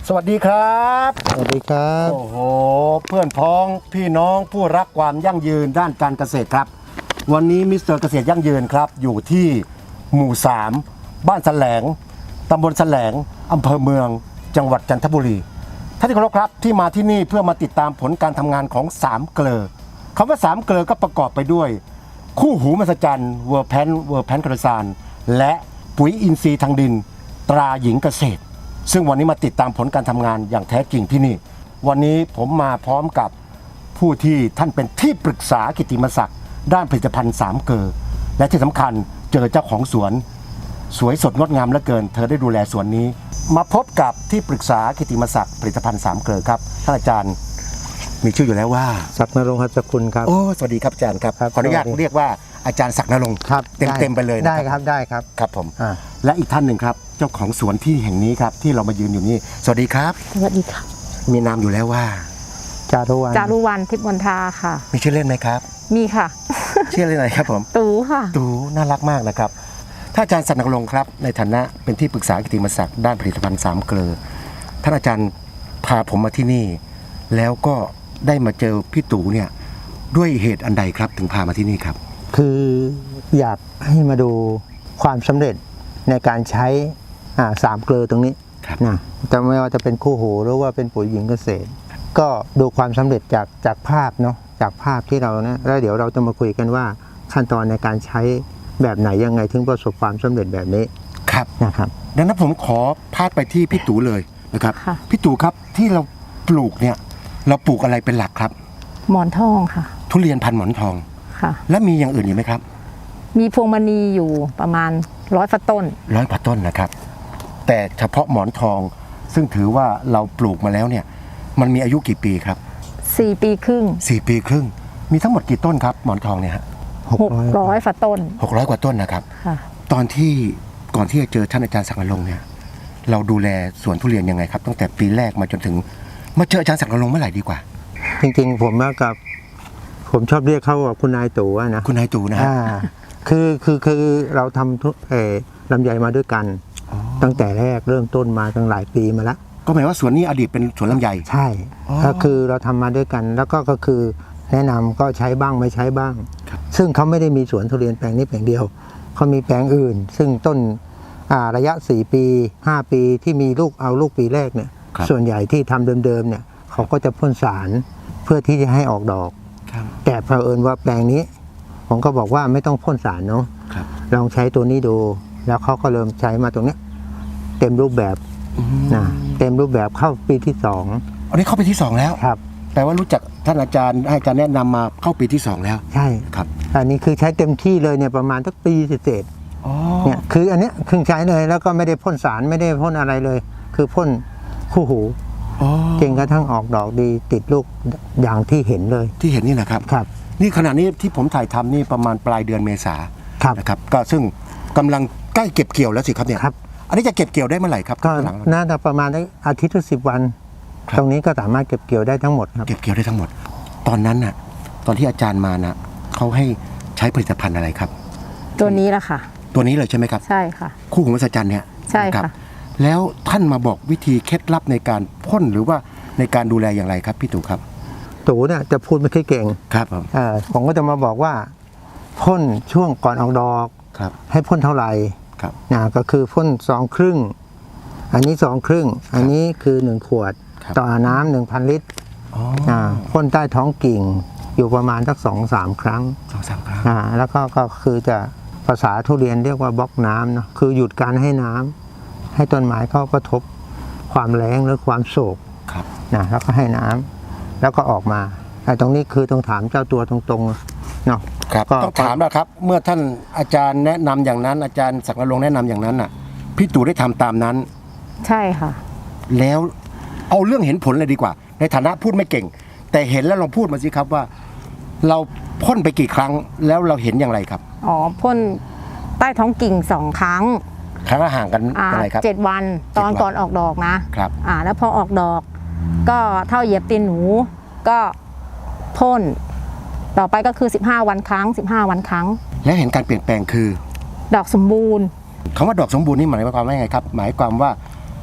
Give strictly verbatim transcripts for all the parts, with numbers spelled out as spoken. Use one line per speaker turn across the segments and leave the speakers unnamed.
สวัสดีครับ
สวัสดีครับ
โอ้โหเพื่อนพ้องพี่น้องผู้รักความยั่งยืนด้านการเกษตรครับวันนี้มิสเตอร์เกษตรยั่งยืนครับอยู่ที่หมู่สามบ้านแสลงตำบลแสลงอำเภอเมืองจังหวัดจันทบุรีท่านที่เคารพครับที่มาที่นี่เพื่อมาติดตามผลการทำงานของสามเกลอคำว่าสามเกลอก็ประกอบไปด้วยคู่หูมหัศจรรย์เวอร์แพนเวอร์แพนกระสานและปุ๋ยอินทรีย์ทางดินตราหญิงเกษตรซึ่งวันนี้มาติดตามผลการทำงานอย่างแท้จริงที่นี่วันนี้ผมมาพร้อมกับผู้ที่ท่านเป็นที่ปรึกษากิตติมศักดิ์ด้านผลิตภัณฑ์สามเกลอและที่สำคัญเจอเจ้าของสวนสวยสดงดงามเหลือเกินเธอได้ดูแลสวนนี้มาพบกับที่ปรึกษากิตติมศักดิ์ผลิตภัณฑ์สามเกลอครับท่านอาจารย์มีชื่ออยู่แล้วว่า
ศักดิ์นรงค์หัตถคุณครับ
โอ้สวัสดีครับอาจารย์ครับขออนุญาตเรียกว่าอาจารย์ศักดิ์นรงค์เต็มเต็มไปเลย
ได้ครับได้ครับ
ครับผมและอีกท่านหนึ่งครับเจ้าของสวนที่แห่งนี้ครับที่เรามายืนอยู่นี่สวัสดีครับ
สวัสดีค่ะ
มีนามอยู่แล้วว่า
จารุวรรณ
จารุวรรณทิพย์มนทาค่ะ
มีชื่อเล่นไหมครับ
มีค่ะ
ชื่อเล่นอะไรครับผม
ตูค่ะ
ตูน่ารักมากนะครับท่านอาจารย์ศักดิ์นรงค์ครับในฐานะเป็นที่ปรึกษากิตติมศักดิ์ด้านผลิตภัณฑ์สามเกลอท่านอาจารย์พาผมมาที่นี่แล้วก็ได้มาเจอพี่ตู่เนี่ยด้วยเหตุอันใดครับถึงพามาที่นี่ครับ
คืออยากให้มาดูความสำเร็จในการใช้สามเกลอตรงนี้นะแต่ไม่ว่าจะเป็นคู่หูหรือว่าเป็นปุ๋ยหญิงเกษตรก็ดูความสำเร็จจากจากภาพเนาะจากภาพที่เรานะแล้วเดี๋ยวเราจะมาคุยกันว่าขั้นตอนในการใช้แบบไหนยังไงถึงประสบความสำเร็จแบบนี้
ครับ
นะครับ
ดังนั้นผมขอพาดไปที่พี่ตู่เลยนะครับพี่ตู่ครับที่เราปลูกเนี่ยเราปลูกอะไรเป็นหลักครับ
หมอนทองค่ะ
ทุเรียนพันหมอนทอง
ค่ะ
และมีอย่างอื่นอยู่ไหมครับ
มีพวงมณีอยู่ประมาณร้อยฝาต้น
ร้อยฝาต้นนะครับแต่เฉพาะหมอนทองซึ่งถือว่าเราปลูกมาแล้วเนี่ยมันมีอายุกี่ปีครับ
สี่ปีครึ่ง
สี่ปีครึ่งมีทั้งหมดกี่ต้นครับหมอนทองเนี่ยฮะ
หกร้อยฝาต้น
หกร้อยกว่าต้นนะครับตอนที่ก่อนที่จะเจอท่านอาจารย์ศักดิ์นรงค์เนี่ยเราดูแลสวนทุเรียนยังไงครับตั้งแต่ปีแรกมาจนถึงมาเจออาจารย์ศักดิ์นรงค์เมื่อไหร่ดีกว่า
จริงๆผมว่ากับผมชอบเรียกเขาว่าคุณนายตู่นะ
คุณนายตู่นะฮะ
คือคือคือเราทำทุเออลำไยมาด้วยกันตั้งแต่แรกเริ่มต้นมาตั้งหลายปีมาแล้ว
ก็หมายว่าสวนนี้อดีตเป็นสวนลำไย
ใช่ก็คือเราทำมาด้วยกันแล้วก็ก็คือแนะนำก็ใช้บ้างไม่ใช้บ้างซึ่งเขาไม่ได้มีสวนทุเรียนแปลงนี้แปลงเดียวเขามีแปลงอื่นซึ่งต้นระยะสี่ปีห้าปีที่มีลูกเอาลูกปีแรกเนี่ยส่วนใหญ่ที่ทำเดิมๆเนี่ยเขาก็จะพ่นสารเพื่อที่จะให้ออกดอกแต่เผอิญว่าแปลงนี้ผมก็บอกว่าไม่ต้องพ่นสารเนาะลองใช้ตัวนี้ดูแล้วเขาก็เริ่มใช้มาตรงนี้เต็มรูปแบบนะเต็มรูปแบบเข้าปีที่สอง
อันนี้เข้าปีที่สองแล้ว
ครับ
แปลว่ารู้จักท่านอาจารย์ให้อาจารย์แนะนำมาเข้าปีที่สองแล้ว
ใช่
ครับ
อันนี้คือใช้เต็มที่เลยเนี่ยประมาณสักปีเศษเนี่ยคืออันเนี้ยคือใช้เลยแล้วก็ไม่ได้พ่นสารไม่ได้พ่นอะไรเลยคือพ่นคู่หูเก่งกระทั่งออกดอกดีติดลูกอย่างที่เห็นเลย
ที่เห็นนี่นะครับ
ครับ
นี่ขณะนี้ที่ผมถ่ายทำนี่ประมาณปลายเดือนเมษานะครับก็ซึ่งกำลังใกล้เก็บเกี่ยวแล้วสิครับเนี่ยอันนี้จะเก็บเกี่ยวได้เมื่อไหร่ครับ
ก็น่าจะประมาณอาทิตย์ถึงสิบวันตรงนี้ก็สามารถเก็บเกี่ยวได้ทั้งหมดครับ
เก็บเกี่ยวได้ทั้งหมดตอนนั้นน่ะตอนที่อาจารย์มาน่ะเขาให้ใช้ผลิตภัณฑ์อะไรครับ
ตัวนี้แหละค่ะ
ตัวนี้เลยใช่ไหมครับ
ใช่ค่ะ
คู่หูมหัศจรรย์เนี่ย
ใช่ค่ะ
แล้วท่านมาบอกวิธีเคล็ดลับในการพ่นหรือว่าในการดูแลอย่างไรครับพี่ตู่ครับ
ตู่เนี่ยจะพูดไม่ค่อยเก่ง
ครับผม
อ่าผมก็จะมาบอกว่าพ่นช่วงก่อนออกดอก
ครับ
ให้พ่นเท่าไหร่
ครับ
นะก็คือพ่นสองครึ่งอันนี้สองครึ่งอันนี้คือหนึ่งขวดต่อน้ำหนึ่งพันลิตรอ่าพ่นใต้ท้องกิ่งอยู่ประมาณสักสองสามครั้ง
สองสามครั้ง
อ่าแล้วก็ก็คือจะภาษาทุเรียนเรียกว่าบล็อกน้ำเนาะคือหยุดการให้น้ำให้ต้นไม้เขากระทบความแล้งหรือความโศกนะแล้วก็ให้น้ำแล้วก็ออกมาไอ้ตรงนี้คือต้องถามเจ้าตัวตรงๆเนาะ
ครับต้องถามแล้วครับเมื่อท่านอาจารย์แนะนำอย่างนั้นอาจารย์ศักดิ์นรงค์แนะนำอย่างนั้นน่ะพี่ตู่ได้ทำตามนั้น
ใช่ค่ะ
แล้วเอาเรื่องเห็นผลเลยดีกว่าในฐานะพูดไม่เก่งแต่เห็นแล้วลองพูดมาสิครับว่าเราพ่นไปกี่ครั้งแล้วเราเห็นอย่างไรครับ
อ๋อพ่นใต้ท้องกิ่งสองครั้ง
ครั้งละห่างกันอะไรครับ
เจ็ดวันตอนก่อนออกดอกนะครับอ่าแล้วพอออกดอกก็เท่าเหยียบตีนหนูก็พ่นต่อไปก็คือสิบห้าวันครั้งสิบห้าวันครั้ง
แล้วเห็นการเปลี่ยนแปลงคือ
ดอกสมบูรณ์
คำว่าดอกสมบูรณ์นี่หมายความว่าไงครับหมายความว่า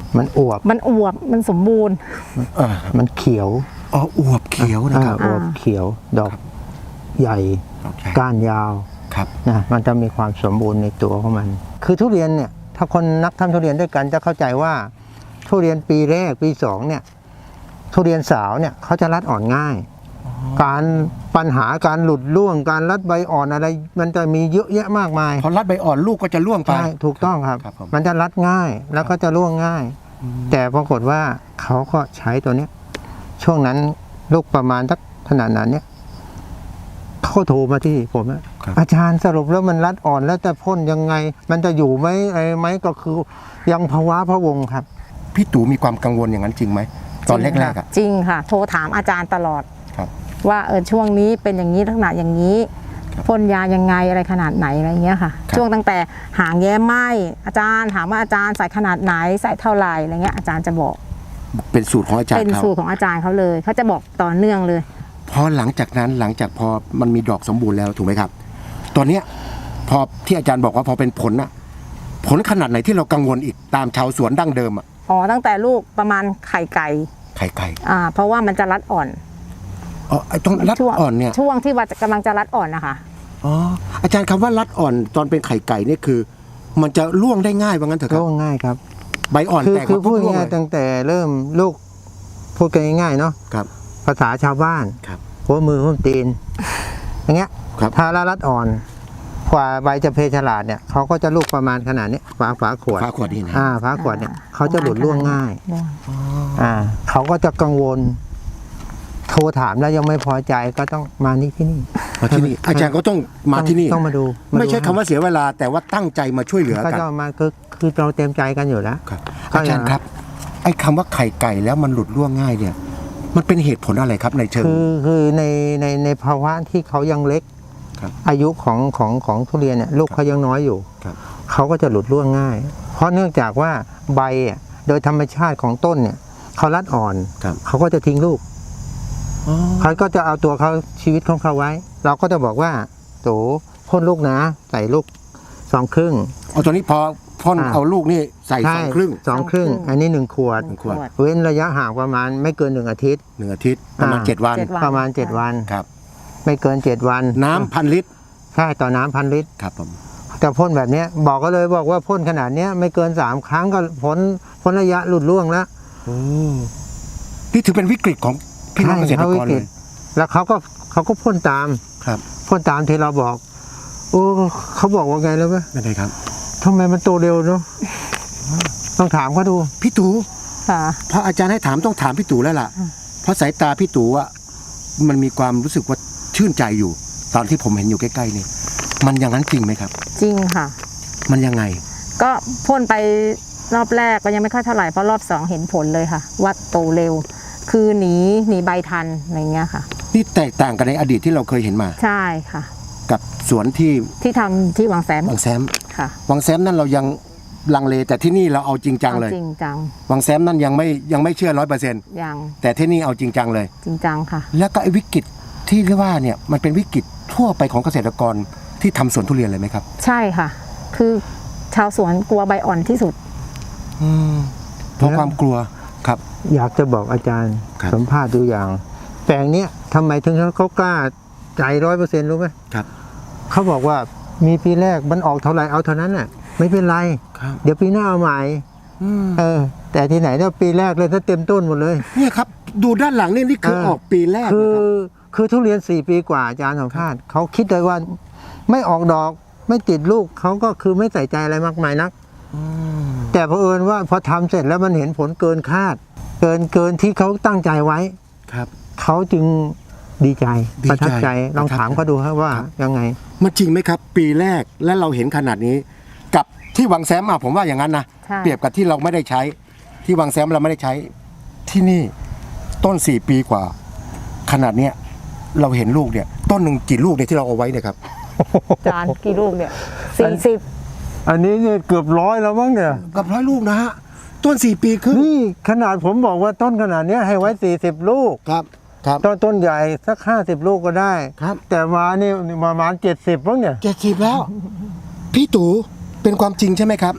มันอวบ
มันอวบมันสมบูรณ์
อ่า
มันเขียว
อ๋ออวบเขียวนะครับ
อ่าอวบเขียว ดอกใหญ่
โอเค
ก้านยาว
ครับ
นะมันจะมีความสมบูรณ์ในตัวของมัน คือทุเรียนเนี่ยถ้าคนนักทำทุเรียนด้วยกันจะเข้าใจว่า ทุเรียนปีแรกปีสองเนี่ยทุเรียนสาวเนี่ยเขาจะรัดอ่อนง่าย การปัญหาการหลุดร่วงการรัดใบอ่อนอะไร มันจะมีเยอะแยะมากมาย
พอรัดใบอ่อนลูกก็จะร่วงไป
ใช่ถูกต้องครับ
ครับผม
มันจะรัดง่ายแล้วก็จะร่วงง่าย แต่ปรากฏว่าเขาก็ใช้ตัวเนี้ยช่วงนั้นลูกประมาณสักขนาดนั้นเนี่ยเขาโทรมาที่ผมอะ
ครับ
อาจารย์สรุปแล้วมันรัดอ่อนแล้วจะพ่นยังไง มันจะอยู่ไหมอะไรไหมก็คือยังภาวะพะวงครับ
พี่ตู่มีความกังวลอย่างนั้นจริงไหมตอนแรกๆอ่ะ
จริงค่ะ โทรถามอาจารย์ตลอด
ครับ
ว่าเออช่วงนี้เป็นอย่างนี้ลักษณะอย่างนี้
ครับ
พ่นยายังไงอะไรขนาดไหนอะไรเงี้ยค่ะ
ครับ
ช่วงตั้งแต่หางแย้มไหมอาจารย์ถามว่าอาจารย์ใส่ขนาดไหนใส่เท่าไหร่อะไรเงี้ยอาจารย์จะบอก
เป็นสูตรของอาจาร
เป็น
ย์เขา
สูตรของอาจารย์เขาเลยเขาจะบอกต่อเนื่องเลย
พอหลังจากนั้นหลังจากพอมันมีดอกสมบูรณ์แล้วถูกไหมครับ ตอนเนี้ยพอที่อาจารย์บอกว่าพอเป็นผลน่ะผลขนาดไหนที่เรากังวลอีกตามชาวสวนดั้งเดิมอ่ะ
อ๋อตั้งแต่ลูกประมาณไข่ไก่
ไข่ไก่
อ่าเพราะว่ามันจะรัดอ่อน
อ๋อไอ้ตรงรัด
ช่วง
อ่อนเนี่ย
ช่วงที่ว่ากำลังจะรัดอ่อนนะคะ
อ๋ออาจารย์คำว่ารัดอ่อนตอนเป็นไข่ไก่เนี่ยคือ มันจะร่วงได้ง่ายว่างั้นเถอะครับ
ร่วงง่ายครับ
ใบอ่อน
คือ
แตก
คือ
มา
พูด
ร่วง
ง่าย
เล
ๆตั้งแต่เริ่มลูกพูดกันง่ายๆเนาะ
ครับ
ภาษาชาวบ้าน
ครับ
หัวมือหัวตีน อย่างเงี้ย
ครับ
ถ้าละรัดอ่อนกว่าใบจะเพฉลาดเนี่ยเขาก็จะลูกประมาณขนาดนี้ฝาฝาขวด
ฝาขวดนี่นะ
อ่าฝาขวดเนี่ยเขาจะหลุดร่วงง่าย
ร่วง
อ่าเขาก็จะกังวล โทรถามแล้วยังไม่พอใจก็ต้องมานี่ที่นี่
มาที่นี่อาจารย์ก็ต้องมาที่นี่
ต้องมาดู
ไม่ใช่คำว่าเสียเวลาแต่ว่าตั้งใจมาช่วยเหลือ
ก็
กัน
จะมาคือคือเราเต็มใจกันอยู่แล้ว
ครับ
ก็
อาจารย์ครับ ไอ้คำว่าไข่ไก่แล้วมันหลุดร่วงง่ายเนี่ย มันเป็นเหตุผลอะไรครับในเชิง
คือคือในในในภาวะที่เขายังเล็ก
ครับ
อายุของของของทุเรียนเนี่ยลูกเขายังน้อยอยู่
ครับ
เขาก็จะหลุดร่วงง่าย เพราะเนื่องจากว่าใบอ่ะโดยธรรมชาติของต้นเนี่ยเขารัดอ่อน
ครับ
เขาก็จะทิ้งลูก
อ๋อ
เขาก็จะเอาตัวเขาชีวิตของเขาไว้ เราก็จะบอกว่าโตพ่นลูกนะ ใส่ลูกสองครึ่ง
เอาตัวนี้พอพ่น
อ่า
เอาลูกนี่ใส่สองครึ่ง
สองครึ่ง อันนี้หนึ่งขวด
หนึ่งขวด
เว้นระยะห่างประมาณไม่เกินหนึ่งอาทิตย์
หนึ่งอาทิตย์ประมาณ
อ่า
เจ็ดวัน
เจ็ดวัน
ประมาณเจ็ดวัน
ครับ
ไม่เกินเจ็ดวัน
น้ำพันลิตร
ใช่ต่อน้ำพันลิตร
ครับผม
แต่พ่นแบบเนี้ยบอกก็เลยบอกว่าพ่นขนาดเนี้ยไม่เกินสามครั้งก็พ้นพ้นระยะหลุดร่วงแล้ว
โอ้นี่ถือเป็นวิกฤตของพี่น้องเกษตรกรเลย
แล้วเขาก็เขาก็พ่นตาม
ครับ
พ่นตามที่เราบอกโอ้เขาบอกว่าไงแล้วไหม
นั่นเลยครับ
ทำไมมันโตเร็วเนาะต้องถามเขาดู
พี่ตู่
ค่ะ
เพราะอาจารย์ให้ถามต้องถามพี่ตู่แล้วล่ะ เพราะสายตาพี่ตู่อะมันมีความรู้สึกว่าชื่นใจอยู่ ตอนที่ผมเห็นอยู่ใกล้ๆนี่มันอย่างนั้นจริงไหมครับ
จริงค่ะ
มันยังไง
ก็พ่นไปรอบแรกก็ยังไม่ค่อยเท่าไหร่เพราะรอบสองเห็นผลเลยค่ะว่าโตเร็ว คือหนีหนีใบทันอะไรเงี้ยค่ะ
นี่แตกต่างกันในอดีตที่เราเคยเห็นมา
ใช่ค่ะ
กับสวนที่
ที่ทำที่วังแสม
วังแซม
ค่ะ
วังแซมนั่นเรายังลังเลแต่ที่นี่เราเอาจริงจัง
เอา
เลย
จริงจัง
วังแซมนั่นยังไม่ยังไม่เชื่อร้อยเปอร์เซ็นต์
ยัง
แต่ที่นี่เอาจริงจังเลย
จริงจังค่ะ
แล้วก็ไอ้วิกฤตที่เรียกว่าเนี่ยมันเป็นวิกฤตทั่วไปของเกษตรกรที่ทำสวนทุเรียนเลยไหมครับ
ใช่ค่ะ คือชาวสวนกลัวใบอ่อนที่สุด
อืมเพราะความกลัวครับ
อยากจะบอกอาจารย์
ครับ
สัมภาษณ์ตัวอย่าง แปลงเนี้ยทำไมถึงเขากล้าใจร้อยเปอร์เซ็นต์รู้ไหม
ครับ
เขาบอกว่ามีปีแรกมันออกเท่าไหร่เอาเท่านั้นน่ะไม่เป็นไร
ครับ
เดี๋ยวปีหน้าเอาใหม่
อืม
เออ แต่ที่ไหนเนี่ยปีแรกเลยถ้าเต็มต้นหมดเลย
เนี่ยครับดูด้านหลังนี่นี่คือ
เออ
ออกปีแรก
คื
นะ
อ
ครับ
คือทุเรียนสี่ปีกว่าอาจารย์สัมภาษณ์เขาคิดเลยว่าไม่ออกดอกไม่ติดลูกเขาก็คือไม่ใส่ใจอะไรมากมายนัก
ม
แต่เผอิญว่าพอทำเสร็จแล้วมันเห็นผลเกินคาด เกินเกินที่เขาตั้งใจไว้
ครับ
เขาจึงดีใจ
ดีใจ
ประทับใจลอง
ประทับ
ถามเขาดูครับว่า
ครับ
ยังไง
มันจริงไหมครับ ปีแรกและเราเห็นขนาดนี้ กับที่วังแซมอ่ะผมว่าอย่างนั้นนะ
ใช่
เปรียบกับที่เราไม่ได้ใช้ ที่วังแซมเราไม่ได้ใช้ที่นี่ต้นสี่ปีกว่า ขนาดเนี้ยเราเห็นลูกเนี่ย ต้นหนึ่งกี่ลูกเนี่ยที่เราเอาไว้เนี่ยครับ
จานกี่ลูกเนี่ยสี่สิบ
อันนี้เนี่ยเกือบร้อยแล้วมั้งเนี่ย
กับร้อยลูกนะฮะต้นสี่ปีครึ่ง
นี่ขนาดผมบอกว่าต้นขนาดเนี้ยให้ไว้สี่สิบลูก
ครับครับ
ต้นต้นใหญ่สักห้าสิบลูกก็ได้
ครับ
แต่มานี่ประมาณเจ็ดสิบมั้งเนี่ย
เจ็ดสิบแล้ว พี่ตู่เป็นความจริงใช่ไหมครับ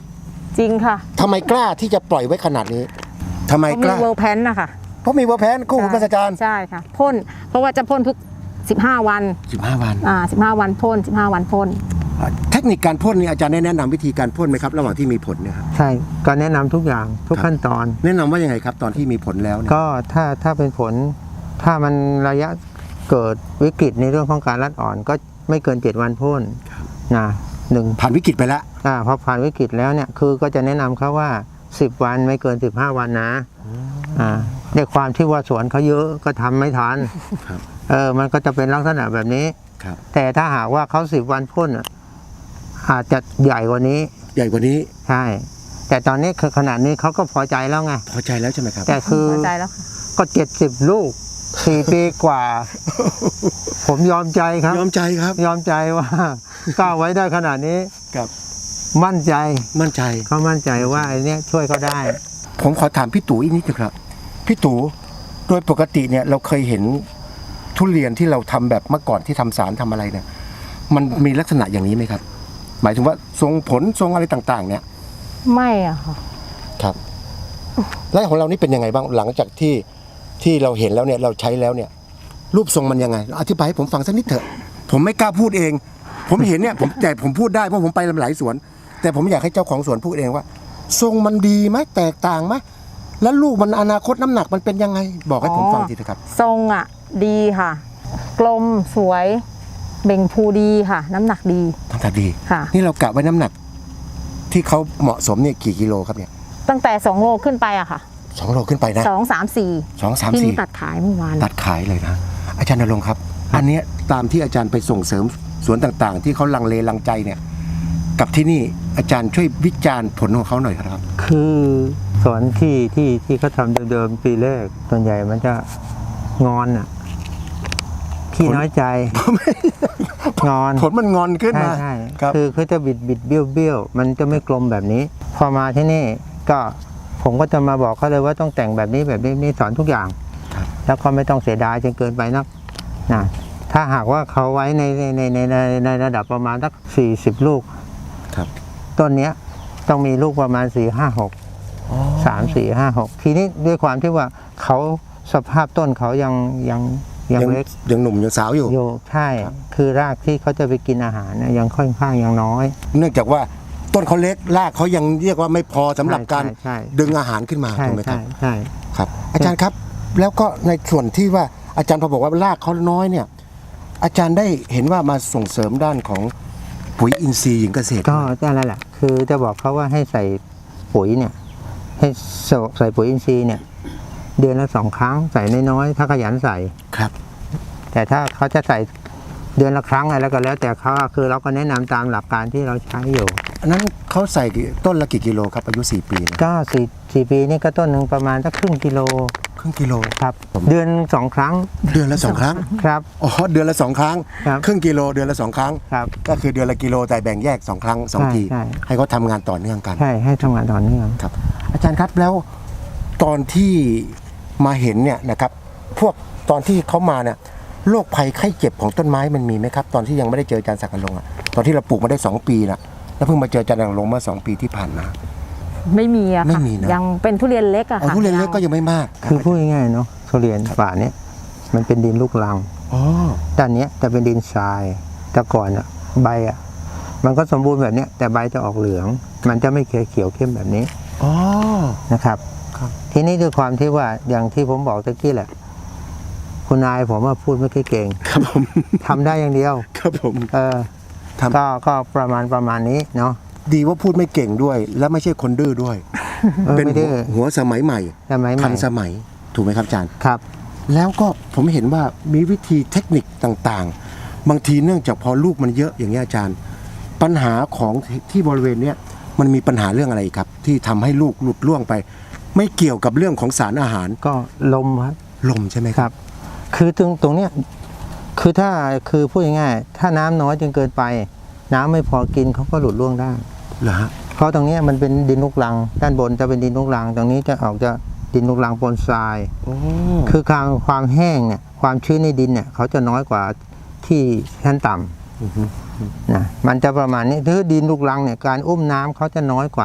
จริงค่ะ
ทำไมกล้าที่จะปล่อยไว้ขนาดนี้ทำไม
เพราะ
ก
มี
ล้า
เวลแพนนะคะ
เพราะมีเวอร์แพนคู่หูมหัศจรรย์
ใช่ค่ะพ่นเพราะว่าจะพ่นทุกสิบห้าวัน
สิบห้าวัน
อ่าสิบห้าวันพ่นสิบห้าวันพ่น
เทคนิคการพ่นนี่อาจารย์ได้แนะนำวิธีการพ่นไหมครับระหว่างที่มีผลเนี่ยครับ
ใช่ก็แนะนำทุกอย่างทุก
ครับ
ขั้นตอน
แนะนำว่ายังไงครับตอนที่มีผลแล้วเนี่ย
ก็ถ้าถ้าเป็นผลถ้ามันระยะเกิดวิกฤตในเรื่องของการรัดอ่อนก็ไม่เกินเจ็ดวันพ่นนะหนึ่ง
ผ่านวิกฤตไปแล้ว
อ่าพอผ่านวิกฤตแล้วเนี่ยคือก็จะแนะนำเขาว่าสิบวันไม่เกินสิบห้าวันนะอ่าด้วยความที่ว่าสวนเขาเยอะก็ทำไม่ทัน
ครับ
เออมันก็จะเป็นลักษณะแบบนี้
ครับ
แต่ถ้าหากว่าเขาสิบวันพ่นอ่ะอาจจะใหญ่กว่านี้
ใหญ่กว่านี้
ใช่ แต่ตอนนี้คือขนาดนี้เขาก็พอใจแล้วไง
พอใจแล้วใช่ไหมครับ
แต่คือ
พอใจแล้วค่ะ
ก็เจ็ดสิบลูกสี่ปีกว่า ผมยอมใจครับ
ยอมใจครับ
ยอมใจว่า ก้าวไว้ได้ขนาดนี้
ครับ
มั่นใจ
มั่นใจ
เขามั่นใจว่าไอ้เนี้ยช่วยเขาได้
ผมขอถามพี่ตู่อีกนิดนึงครับพี่ตู่โดยปกติเนี่ยเราเคยเห็นทุเรียนที่เราทำแบบเมื่อก่อนที่ทำสารทำอะไรเนี่ยมันมีลักษณะอย่างนี้ไหมครับ หมายถึงว่าทรงผลทรงอะไรต่างๆ เนี่ย
ไม่อะค่ะ
ครับแล้วของเรานี่เป็นยังไงบ้างหลังจากที่ที่เราเห็นแล้วเนี่ยเราใช้แล้วเนี่ย รูปทรงมันยังไงอธิบายให้ผมฟังสักนิดเถอะ ผมไม่กล้าพูดเอง ผมเห็นเนี่ยผมแต่ผมพูดได้เพราะผมไปหลายสวน แต่ผมอยากให้เจ้าของสวนพูดเองว่า ทรงมันดีไหมแตกต่างไหมแล้วลูกมันอนาคตน้ำหนักมันเป็นยังไง บอกให้ผมฟังทีเถอะครับ
ทรงอ่ะดีค่ะ กลมสวยเบ่งพูดีค่ะ น้ำหนักดี
น้ำหนักดี
ค่ะ
นี่เรากะไว้น้ำหนัก ที่เขาเหมาะสมเนี่ยกี่กิโลครับเนี่ย
ตั้งแต่สองโลขึ้นไปอะค่ะ
สองโลขึ้นไปนะ
สองสามสี่
สองสาม
ที่
สี่
นี่ตัดขายเมื่อวาน
ตัดขายเลยนะอาจารย์ณรงค์ครับ อันเนี้ยตามที่อาจารย์ไปส่งเสริมสวนต่างๆ ที่เขาลังเลลังใจเนี่ย กับที่นี่อาจารย์ช่วยวิจารณ์ผลของเขาหน่อยครับ
คือสวนที่ที่ที่เขาทำเดิมๆปีแรกส่วนใหญ่มันจะงอนอ่ะขี้น้อยใจ งอน
ผลมันงอนขึ้น
ใช่
มา
ใช่
ครับ
คือเขาจะบิดบิดเบี้ยวเบี้ยวมันจะไม่กลมแบบนี้ พอมาที่นี่ก็ผมก็จะมาบอกเขาเลยว่าต้องแต่งแบบนี้แบบนี้นี่สอนทุกอย่าง
ครับ
แล้วก็ไม่ต้องเสียดายจนเกินไปนักนะถ้าหากว่าเขาไว้ในในในในในในระดับประมาณสักสี่สิบลูก
ครับ
ต้นเนี้ยต้องมีลูกประมาณสี่ห้าหกสามสี่ห้าหกทีนี้ด้วยความที่ว่าเขาสภาพต้นเขายังยังยัง
ยัง
เล็ก
ยังหนุ่มยังสาวอยู่
อยู่ใช่
ครับ
คือรากที่เขาจะไปกินอาหารเนี่ยยังค่อนข้างยังน้อย
เนื่องจากว่าต้นเขาเล็กรากเขายังเรียกว่าไม่พอสำหรับการ
ใช่ใช่
ดึงอาหารขึ้นมา
ใช่
ถูกไหมครั
ใช่
บ
ใช่
ครับ อาจารย์ครับ แล้วก็ในส่วนที่ว่าอาจารย์พอบอกว่ารากเขาน้อยเนี่ย อาจารย์ได้เห็นว่ามาส่งเสริมด้านของปุ๋ยอินทรีย์หญิงเกษตร
ก็นั่นแหละ คือจะบอกเขาว่าให้ใส่ปุ๋ยเนี่ยให้ใส่ปุ๋ยอินทรีย์เนี่ยเดือนละสองครั้งใส่น้อยๆถ้าขยันใส่
ครับ
แต่ถ้าเขาจะใส่เดือนละครั้งอะไรแล้วก็แล้ว แต่เขาคือเราก็แนะนำตามหลักการที่เราใช้อยู่
อันนั้นเขาใส่กี่ต้นละกี่กิโลครับอายุสี่ปีเนี่ย
ก็สี่สี่ปีนี่ก็ต้นหนึ่งประมาณสักครึ่งกิโล
ครึ่งกิโล
ครับ เดือนสองครั้ง
เดือนละสองครั้ง
ครับ
อ๋อเดือนละสองครั้ง
ครับ
ครึ่งกิโลเดือนละสองครั้ง
ครับ
ก็คือเดือนละกิโลแต่แบ่งแยกสองครั้งสอง
ใช่
ที
ใช่
ให้เขาทำงานต่อเนื่องกัน
ใช่ให้ทำงานต่อเนื่อง
ครับ อาจารย์ครับแล้วตอนที่มาเห็นเนี่ยนะครับพวกตอนที่เขามาเนี่ยโรคภัยไข้เจ็บของต้นไม้มันมีไหมครับ ตอนที่ยังไม่ได้เจออาจารย์ศักดิ์อลงค์อ่ะตอนที่เราปลูกมาได้สองปีนะแล้วเพิ่งมาเจออาจารย์ศักดิ์อลงค์เมื่อสองปีที่ผ่านมา
ไม่มีอะ
ไม่
ค่ะ
มีนะ
ยังเป็นทุเรียนเล็กอะ
เอา
ค่ะ
ทุเรียนเล็กก็ยังไม่มาก
คือพูดง่ายๆเนาะทุเรียนป่าเนี้ยมันเป็นดินลูกรัง
อ๋อ
ด้านเนี้ยจะเป็นดินทรายแต่ก่อนอะใบอะมันก็สมบูรณ์แบบเนี้ยแต่ใบจะออกเหลือง มันจะไม่เขียวเขียวเข้มแบบนี้
อ๋อ
นะครับ
ครับ
ทีนี้ด้วยความที่ว่าอย่างที่ผมบอกตะกี้แหละ คุณนายผมว่าพูดไม่ค่อยเก่ง
ครับผม
ทำได้อย่างเดียว
ครับผม
เออ
ทำ
ก็ก็ประมาณประมาณนี้เนาะ
ดีว่าพูดไม่เก่งด้วย และไม่ใช่คนดื้อด้วย
เออ
เป็น
ไม่
หั
ดื้
ว
อ
หัวสมัยใหม่
สมัยให
ทั
ม่
นสมัยถูกไหมครับอาจารย์
ครับ
แล้วก็ผมเห็นว่ามีวิธีเทคนิคต่างๆ บางทีเนื่องจากพอลูกมันเยอะอย่างนี้ยอาจารย์ ปัญหาของที่บริเวณเนี้ยมันมีปัญหาเรื่องอะไรอีกครับ ที่ทำให้ลูกหลุดล่วงไป ไม่เกี่ยวกับเรื่องของสารอาหาร
ก็ลมครับ
ลมใช่ไหม
ค
ค
รั
รับ
บ คือตรงตรงเนี้ยคือถ้าคือพูดง่ายๆถ้าน้ำน้อยจนเกินไป น้ำไม่พอกินเขาก็หลุดร่วงได้
เหรอฮะ
เพราะตรงเนี้ยมันเป็นดินลูกรัง ด้านบนจะเป็นดินลูกรัง ตรงนี้จะออกจะดินลูกรังปนทราย
โอ้
คือความความแห้งเนี่ยความชื้นในดินเนี่ยเขาจะน้อยกว่าที่ชั้นต่ำ
อือฮึ
นะมันจะประมาณนี้ถ้าดินลูกรังเนี่ยการอุ้มน้ำเขาจะน้อยกว่า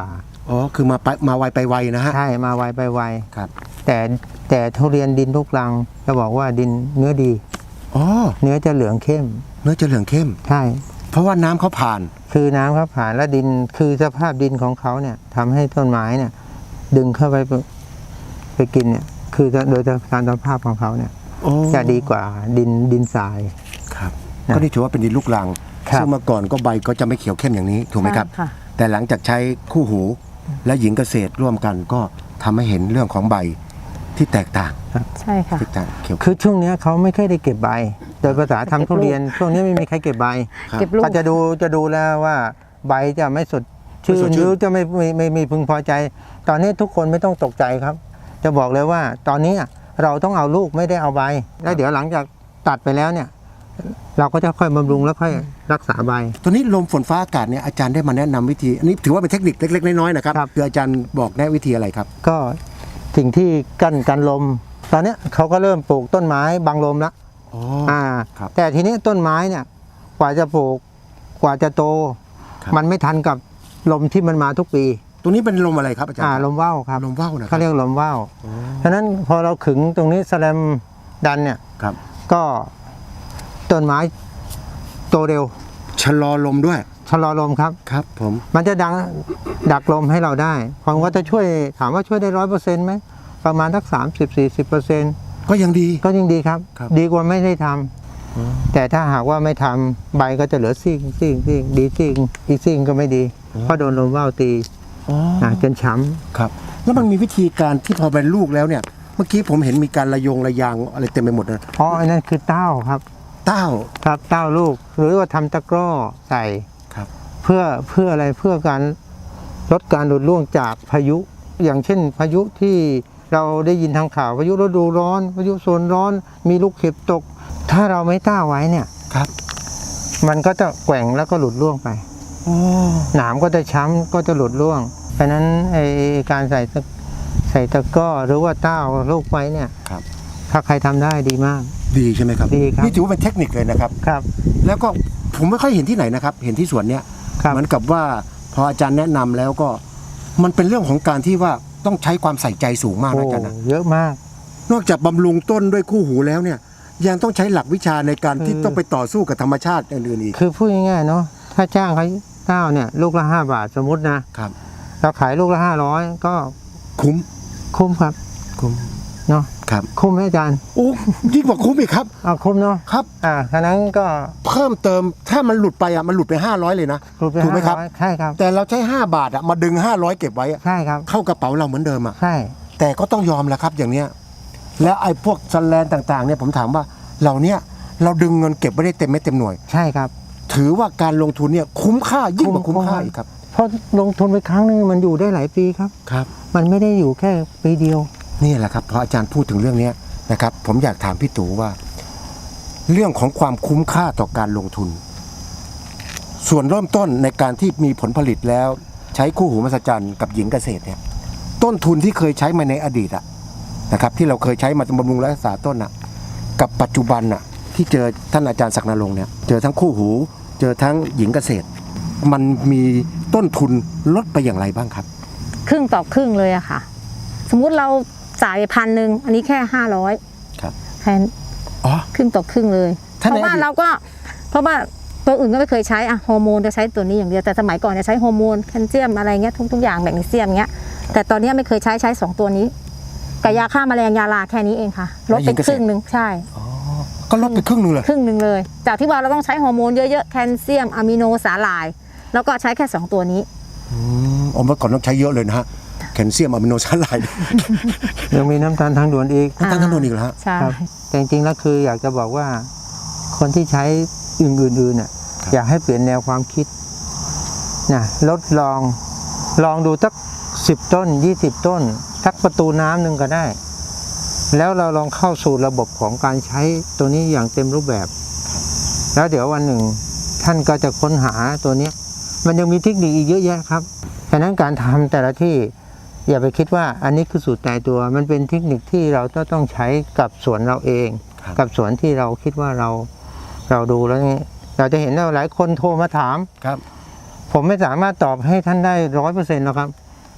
อ๋อคือมาไปมาไวไปไวนะฮะ
ใช่มาไวไปไว
ครับ
แต่แต่ทุเรียนดินลูกรังจะบอกว่าดินเนื้อดี
อ๋อ
เนื้อจะเหลืองเข้ม
เนื้อจะเหลืองเข้ม
ใช่
เพราะว่าน้ำเขาผ่าน
คือน้ำเขาผ่านและดินคือสภาพดินของเขาเนี่ยทำให้ต้นไม้เนี่ย ดึงเข้าไปไปกินเนี่ยคือโดยการสภาพของเขาเนี่ย
โอ้
จะดีกว่าดินดินทราย
ครับ
นะ
ก็นี่ถือว่าเป็นดินลูกรัง
ครับ
ซึ่งเมื่อก่อนก็ใบก็จะไม่เขียวเข้มอย่างนี้ถูกไหมครับ
ใช่ค่ะ
แต่หลังจากใช้คู่หูและหญิงเกษตรร่วมกันก็ทำให้เห็นเรื่องของใบที่แตกต่าง
ใช่ค่ะ
ที่ต่างเขียว
คือช่วงเนี้ยเขาไม่ค่อยได้เก็บใบ โดยภาษาทำทุเรียน ช่วงนี้ไม่มีใครเก็บใบ
ครับ
เก็บลูก
ก็จะดูจะดูแล้วว่าใบจะไม่สดชื่
ไม่สด
น
ชื่น
หรือจะไม่ไม่ไม่ไม่พึงพอใจ ตอนนี้ทุกคนไม่ต้องตกใจครับ จะบอกเลยว่า ตอนนี้เราต้องเอาลูกไม่ได้เอาใบ แล้วเดี๋ยวหลังจากตัดไปแล้วเนี่ย เราก็จะค่อยบำรุงแล้วค่อยรักษาใบ
ตัวนี้ลมฝนฟ้าอากาศเนี่ยอาจารย์ได้มาแนะนำวิธีอันนี้ถือว่าเป็นเทคนิคเล็กๆน้อยๆนะครับ
ครับ
คืออาจารย์บอกแนะวิธีอะไรครับ
ก็สิ่งที่กั้นกันลม ตอนเนี้ยเขาก็เริ่มปลูกต้นไม้บังลมแล้ว
อ๋อ
อ่า
ครับ
แต่ทีนี้ต้นไม้เนี่ยกว่าจะปลูกกว่าจะโต
ครับ
มันไม่ทันกับลมที่มันมาทุกปี
ตัวนี้เป็นลมอะไรครับอาจารย์
อ่าลมว่าวครับ
ลมว่าวนะครั
เขาเรียกลมว่าว
อ๋อ
ฉะนั้นพอเราขึงตรงนี้แสแลมดันเนี่ย
ครับ
ก็ต้นไม้โตเร็ว
ชะลอลมด้วย
ชะลอลมครับ
ครับผม
มันจะดังดักลมให้เราได้ผมก็จะช่วยถามว่าช่วยได้ร้อยเปอร์เซ็นต์ไหมประมาณสักสามสิบสี่สิบเปอร์เซ็นต์
ก็ยังดี
ก็ยิ่งดีครับ
ครับ
ดีกว่าไม่ได้ทำแต่ถ้าหากว่าไม่ทำใบก็จะเหลือซีกซีกซีกดีซีกอีกซีกก็ไม่ดี เพราะโดนลมว่าวตี
อ๋อ
ะจนช้ำ
ครับ แล้วมันมีวิธีการที่พอเป็นลูกแล้วเนี่ย เมื่อกี้ผมเห็นมีการระยงระยางอะไรเต็มไปหมดนะ
เพราะอันนั้นคือเต้าครับ
เต้า
ครับเต้าลูก หรือว่าทำตะกร้อใส่
ครับ
เพื่อเพื่ออะไรเพื่อการลดการหลุดร่วงจากพายุ อย่างเช่น พายุที่เราได้ยินทางข่าวพายุฤดูร้อน พายุโซนร้อน มีลูกเห็บตก ถ้าเราไม่ต้าไว้เนี่ย
ครับ
มันก็จะแกว่งแล้วก็หลุดร่วงไป
โอ้
หนามก็จะช้ำก็จะหลุดร่วงเพราะฉะนั้นไอการใส่ตะใส่ตะกร้อหรือว่าเต้าลูกไว้เนี่ย
ครับ
ถ้าใครทำได้ดีมาก
ดีใช่ไหมครับ
ดีครับ
นี่ถือว่าเป็นเทคนิคเลยนะครับ
ครับ
แล้วก็ผมไม่ค่อยเห็นที่ไหนนะครับ เห็นที่สวนเนี้ย
ครับ
เหมือนกับว่าพออาจารย์แนะนำแล้วก็มันเป็นเรื่องของการที่ว่าต้องใช้ความใส่ใจสูงมาก
โอ้
นะอาจารย์นะ
เยอะมาก
นอกจากบำรุงต้นด้วยคู่หูแล้วเนี่ยยังต้องใช้หลักวิชาในการที่
คือ
ต้องไปต่อสู้กับธรรมชาติอื่นๆอีก
คือพูดง่ายๆเนาะถ้าจ้างเขาเต้าเนี่ยลูกละห้าบาทสมมุตินะครับ เราขายลูกละห้าร้อยก็
คุ้ม
คุ้มครับ
คุ้ม
เนาะ
ครับ
คุ้มไหมอาจารย์
โอ้ยิ่งกว่าคุ้มอีกครับ
เอาคุ้มเนาะ
ครับ
อ่าฉะนั้นก็
เพิ่มเติมถ้ามันหลุดไปอ่ะมันหลุดไปห้าร้อยเลยนะ
รูปไป
ถูกไหมครับ
ห้าร้อยใช่ครับ
แต่เราใช้ห้าบาทอ่ะมาดึงห้าร้อยเก็บไว้อะ
ใช่ครับ
เข้ากระเป๋าเราเหมือนเดิมอ่ะ
ใช่
แต่ก็ต้องยอมแหละครับอย่างเนี้ยแล้วไอ้พวกสแลนต่างๆเนี่ยผมถามว่าเหล่าเนี้ยเราดึงเงินเก็บไม่ได้เต็มเม็ดเต็มหน่วย
ใช่ครับ
ถือว่าการลงทุนเนี่ยคุ้มค่ายิ่งกว่า
คุ้
คุ้
ม
มค่า
คุ้ม
อีกครับ
เพราะลงทุนไปครั้งนึงมันอยู่ได้หลายปีครับ
ครับ
มันไม่ได้อยู่แค่ปีเดียว
นี่แหละครับพออาจารย์พูดถึงเรื่องเนี้ยนะครับ ผมอยากถามพี่ตู่ว่า เรื่องของความคุ้มค่าต่อการลงทุน ส่วนเริ่มต้นในการที่มีผลผลิตแล้ว ใช้คู่หูมหัศจรรย์กับหญิงเกษตรเนี่ย ต้นทุนที่เคยใช้มาในอดีตอะนะครับ ที่เราเคยใช้มาบำรุงและรักษาต้นอะกับปัจจุบันอะที่เจอท่านอาจารย์ศักดิ์นรงค์เนี่ยเจอทั้งคู่หู เจอทั้งหญิงเกษตร มันมีต้นทุนลดไปอย่างไรบ้างครับ
ครึ่งต่อครึ่งเลยอะค่ะ สมมุติเราจ่ายพันหนึ่งอันนี้แค่ห้าร้อย
ครับ
แค่
อ๋อ
ครึ่งต่อครึ่งเลย
ถ้า
เพ
ใน
ราะว่า
อดีต
เราก็เพราะว่าตัวอื่นก็ไม่เคยใช้อะฮอร์โมนจะใช้ตัวนี้อย่างเดียวแต่สมัยก่อนจะใช้ฮอร์โมนแคลเซียมอะไรเงี้ยทุกทุกอย่างแมกนีเซียมเงี้ยแต่ตอนนี้ไม่เคยใช้ใช้สองตัวนี้กับยาฆ่าแมลงยาลาแค่นี้เองค่ะลดไปครึ่งหนึ่งใช่
ก็ลดไปครึ่งหนึงเลย
ครึ่งหนึ่งเลย จากที่ว่าเราต้องใช้ฮอร์โมนเยอะๆแคลเซียมอะมิโนสาหร่าย แล้วก็ใช้แค่สองตัวนี้
อืมอ๋อเมื่อก่อนต้องใช้เยอะเลยนะฮะแคลเซียมอะมิโนสาหร่าย
ยังมีน้ำตาลทางด่วนอีก
น้ำตาลทั้งโดนอีกแล้วฮะ
ใช่
ครับแต่จริงๆแล้วคืออยากจะบอกว่าคนที่ใช้อื่นๆน่ะอยากให้เปลี่ยนแนวความคิดนะลดลองลองดูสักสิบต้นยี่สิบต้นสักประตูน้ำหนึ่งก็ได้ แล้วเราลองเข้าสู่ระบบของการใช้ตัวนี้อย่างเต็มรูปแบบ แล้วเดี๋ยววันหนึ่งท่านก็จะค้นหาตัวนี้ มันยังมีเทคนิคอีกเยอะแยะครับฉะนั้นการทำแต่ละที่อย่าไปคิดว่าอันนี้คือสูตรตายตัว มันเป็นเทคนิคที่เราต้องใช้กับสวนเราเอง
ครับ
กับสวนที่เราคิดว่าเราเราดูแล้วนี่เราจะเห็นว่าหลายคนโทรมาถาม
ครับ
ผมไม่สามารถตอบให้ท่านได้ร้อยเปอร์เซ็นต์หรอกครับ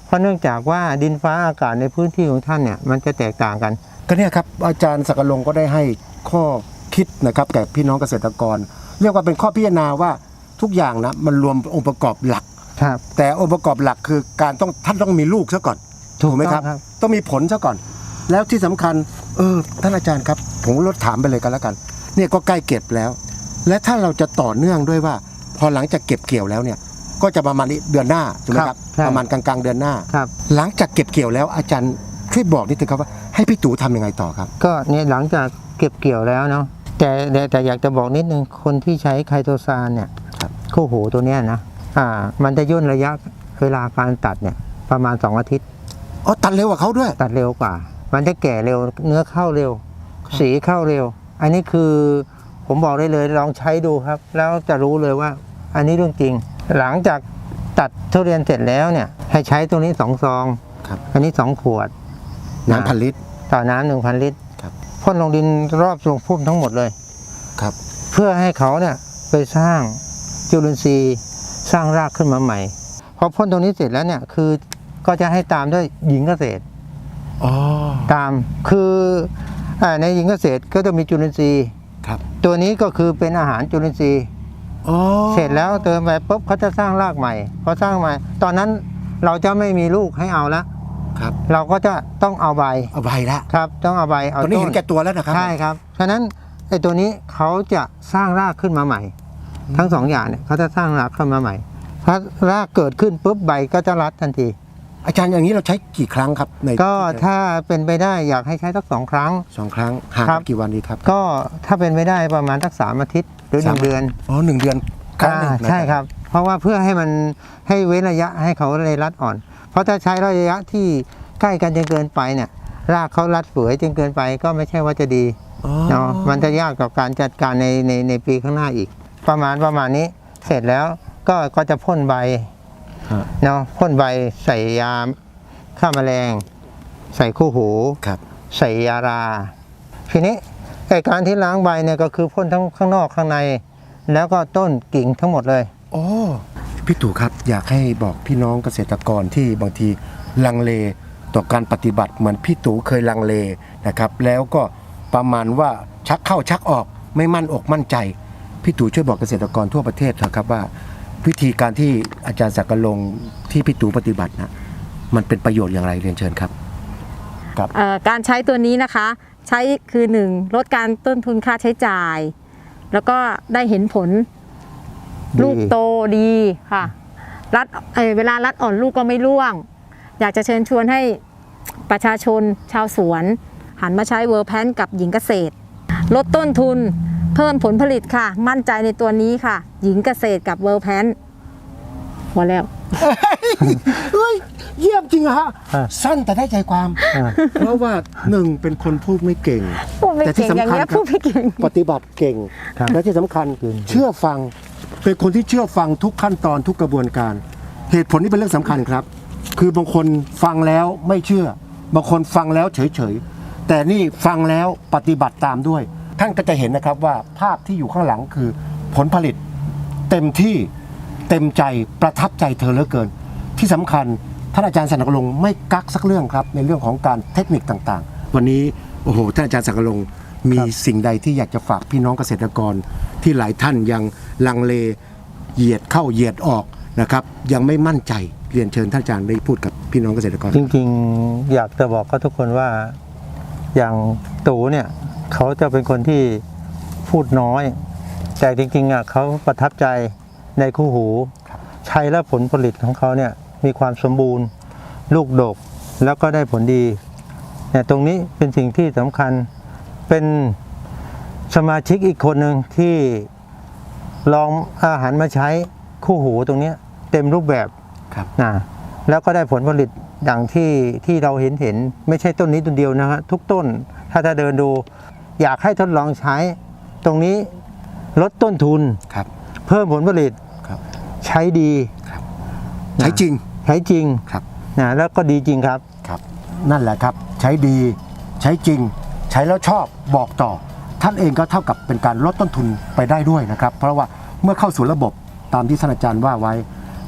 เพราะเนื่องจากว่าดินฟ้าอากาศในพื้นที่ของท่านเนี่ยมันจะแตกต่างกัน
ก็เนี่ยครับอาจารย์ศักดิ์ลงก็ได้ให้ข้อคิดนะครับแก่พี่น้องเกษตรกร เรียกว่าเป็นข้อพิจารณาว่าทุกอย่างนะมันรวมองค์ประกอบหลัก
ครับ
แต่องค์ประกอบหลักคือการต้องท่านต้องมีลูกซะก่อน
ถูก
ไหมครับ
ต้องครับ
ต้องมีผลซะก่อน แล้วที่สำคัญเออท่านอาจารย์ครับผมลดถามไปเลยกันแล้วกันเนี่ยก็ใกล้เก็บแล้ว และถ้าเราจะต่อเนื่องด้วยว่า พอหลังจากเก็บเกี่ยวแล้วเนี่ยก็จะประมาณเดือนหน้าถูกไหมครับ
ใช่
ประมาณกลางๆเดือนหน้า
ครับ
หลังจากเก็บเกี่ยวแล้วอาจารย์ช่วยบอกนิดนึงครับว่าให้พี่ตู่ทำยังไงต่อครับ
ก็เนี่ยหลังจากเก็บเกี่ยวแล้วเนาะแต่แต่แต่อยากจะบอกนิดนึงคนที่ใช้ไคโตซานเนี่ย
ครับ
คู่หูตัวเนี้ยนะอ่ามันจะย่นระยะเวลาการตัดเนี่ยประมาณสองอาทิตย์
อ๋อตัดเร็วกว่าเขาด้วย
ตัดเร็วกว่า มันจะแก่เร็วเนื้อเข้าเร็ว สีเข้าเร็ว อันนี้คือผมบอกได้เลยลองใช้ดูครับ แล้วจะรู้เลยว่า อันนี้เรื่องจริง หลังจากตัดทุเรียนเสร็จแล้วเนี่ยให้ใช้ตัวนี้สองซอง
ครับ
อันนี้สองขวด
น้ำพันลิตร
ต่อน้ำหนึ่งพันลิตร
ครับ
พ่นลงดินรอบทรงพุ่มทั้งหมดเลย
ครับ
เพื่อให้เขาเนี่ยไปสร้างจุลินทรีย์สร้างรากขึ้นมาใหม่พอพ่นตรงนี้เสร็จแล้วเนี่ยคือก็จะให้ตามด้วยหญิงเกษตร
อ๋อ
ตามคืออาในหญิงเกษตรก็จะมีจุลินทรีย์
ครับ
ตัวนี้ก็คือเป็นอาหารจุลินทรีย์
อ๋อ
เสร็จแล้วเติมไปปุ๊บเขาจะสร้างรากใหม่พอสร้างใหม่ ตอนนั้นเราจะไม่มีลูกให้เอาละ
ครับ
เราก็จะต้องเอาใบ
เอาใบละ
ครับ ต้องเอาใบเอา
ตอนนี้
ต้
เห็นแก่ตัวแล้วนะครับ
ใช่ครับฉะนั้นไอ้ตัวนี้เขาจะสร้างรากขึ้นมาใหม่ ทั้งสองอย่างเนี่ยเขาจะสร้างรากขึ้นมาใหม่พอรากเกิดขึ้นปุ๊บใบก็จะรัดทันที
อาจารย์อย่างนี้เราใช้กี่ครั้งครับใน
ก็ถ้าเป็นไปได้อยากให้ใช้สักสองครั้ง
สองครั้งห่าง
ครั
กับ นกี่วันดีครับ
ก็ถ้าเป็นไปได้ประมาณสักสามอาทิตย์หรือหนึ่งเดือน
อ๋อหนึ่งเดือนครั้งหนึ่ง
อ่า
นะ
ใช่ครับ เพราะว่าเพื่อให้มันให้เว้นระยะให้เขาเลยรัดอ่อน เพราะถ้าใช้ระยะที่ใกล้กันจนเกินไปเนี่ยรากเขารัดเฟื่อยจนเกินไปก็ไม่ใช่ว่าจะดี
อ๋อ
เนาะมันจะยากกับการจัดการในในในปีข้างหน้าอีก ประมาณประมาณนี้เสร็จแล้วก็ก็จะพ่นใบ
ฮะ
เนาะพ่นใบใส่ยาฆ่าแมลง ใส่คู่หู
ครับ
ใส่ยารา ทีนี้ไอการที่ล้างใบเนี่ยก็คือพ่นทั้งข้างนอกข้างใน แล้วก็ต้นกิ่งทั้งหมดเลย
โอ้พี่ตู่ครับอยากให้บอกพี่น้องเกษตรกรที่บางทีลังเลต่อการปฏิบัติเหมือนพี่ตู่เคยลังเลนะครับแล้วก็ประมาณว่าชักเข้าชักออกไม่มั่นอกมั่นใจพี่ตู่ช่วยบอกเกษตรกรทั่วประเทศเถอะครับว่า วิธีการที่อาจารย์ศักดิ์ลงที่พี่ตู่ปฏิบัตินะมันเป็นประโยชน์อย่างไรเรียนเชิญครับ
เอ่อการใช้ตัวนี้นะคะ ใช้คือหนึ่งลดการต้นทุนค่าใช้จ่าย แล้วก็ได้เห็นผล
ดี
ลูกโตดีค่ะรัดเอ่อเวลารัดอ่อนลูกก็ไม่ร่วง อยากจะเชิญชวนให้ประชาชนชาวสวน หันมาใช้เวอร์แพนกับหญิงเกษตร ลดต้นทุนเพิ่มผลผลิตค่ะ มั่นใจในตัวนี้ค่ะ หญิงเกษตรกับเวอร์แพนพอแล้ว
เฮ้ยเยี่ยมจริงอะฮะ
อ่ะ
สั้นแต่ได้ใจความ
อ่า
เพราะว่าหนึ่งเป็นคนพูดไม่เก่ง
พูดไม่
แต่ที่
เก่งอย่าง
สำคัญ
เงี้ย
ครับ
พูดไม่เก่ง
ปฏิบัติเก่ง
ครับ
และที่สำคัญ
จริง
เชื่อฟังเป็นคนที่เชื่อฟังทุกขั้นตอนทุกกระบวนการ เหตุผลนี้เป็นเรื่องสำคัญครับ คือบางคนฟังแล้วไม่เชื่อบางคนฟังแล้วเฉยๆแต่นี่ฟังแล้วปฏิบัติตามด้วย ท่านก็จะเห็นนะครับว่าภาพที่อยู่ข้างหลังคือผลผลิตเต็มที่เต็มใจประทับใจเธอเหลือเกิน ที่สำคัญท่านอาจารย์สันกลงไม่กักสักเรื่องครับในเรื่องของการเทคนิคต่างๆ วันนี้โอ้โหท่านอาจารย์สันกลงมีสิ่งใดที่อยากจะฝากพี่น้องเกษตรกรที่หลายท่านยังลังเลเหยียดเข้าเหยียดออกนะครับยังไม่มั่นใจเรียนเชิญท่านอาจารย์ได้พูดกับพี่น้องเกษตรกร
จริงๆอยากจะบอกกับทุกคนว่าอย่างตู่เนี่ยเขาจะเป็นคนที่พูดน้อย แต่จริงๆอ่ะเขาประทับใจในคู่หูใช้แล้วผลผลิตของเขาเนี่ยมีความสมบูรณ์ ลูกดกแล้วก็ได้ผลดีเนี่ยตรงนี้เป็นสิ่งที่สำคัญเป็นสมาชิกอีกคนหนึ่งที่ลองอาหารมาใช้คู่หูตรงเนี้ยเต็มรูปแบบ
ครับ
นะแล้วก็ได้ผลผลิตอย่างที่ที่เราเห็นเห็นไม่ใช่ต้นนี้ต้นเดียวนะฮะทุกต้นถ้าจะเดินดู อยากให้ทดลองใช้ ตรงนี้ลดต้นทุน
ครับ
เพิ่มผลผลิต
ครับ
ใช้ดี
ใช้จริง
ใช้จริง
ครับ
นะแล้วก็ดีจริงครับ
ครับนั่นแหละครับใช้ดีใช้จริง ใช้แล้วชอบบอกต่อ ท่านเองก็เท่ากับเป็นการลดต้นทุนไปได้ด้วยนะครับ เพราะว่าเมื่อเข้าสู่ระบบตามที่ท่านอาจารย์ว่าไว้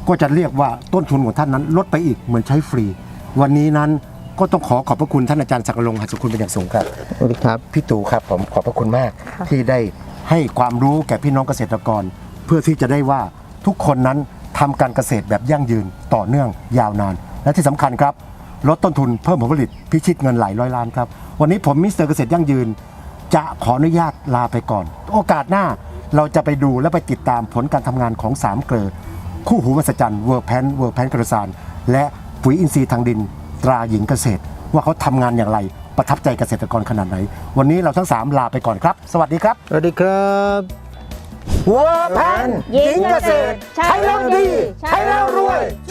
ก็จะเรียกว่าต้นทุนของท่านนั้นลดไปอีกเหมือนใช้ฟรี วันนี้นั้นก็ต้องขอขอบพระคุณท่านอาจารย์ศักดิ์รงค์ หัสคุณเป็นอย่างสูงครับ
สวัสดีครับ
พี่ตู่ครับผมขอบพระคุณมาก
ค่ะ
ที่ได้ให้ความรู้แก่พี่น้องเกษตรกร เพื่อที่จะได้ว่าทุกคนนั้นทำการเกษตรแบบยั่งยืนต่อเนื่องยาวนาน และที่สำคัญครับลดต้นทุนเพิ่มผลผลิตพิชิตเงินหลายร้อยล้านครับวันนี้ผมมิสเตอร์เกษตรยั่งยืน จะขออนุญาตลาไปก่อน โอกาสหน้าเราจะไปดูและไปติดตามผลการทำงานของสามเกลือคู่หูมหัศจรรย์เวิร์กแพนเวิร์กแพนกระสานและปุ๋ยอินทรีย์ทางดินตราหญิงเกษตร ว่าเขาทำงานอย่างไรประทับใจเกษตรกรขนาดไหน วันนี้เราทั้งสามลาไปก่อนครับ สวัสดีครับ
สวัสดีครับ
เวิร์กแพนหญิงเกษตร ใช้แล้วดี ใช้แล้วรวย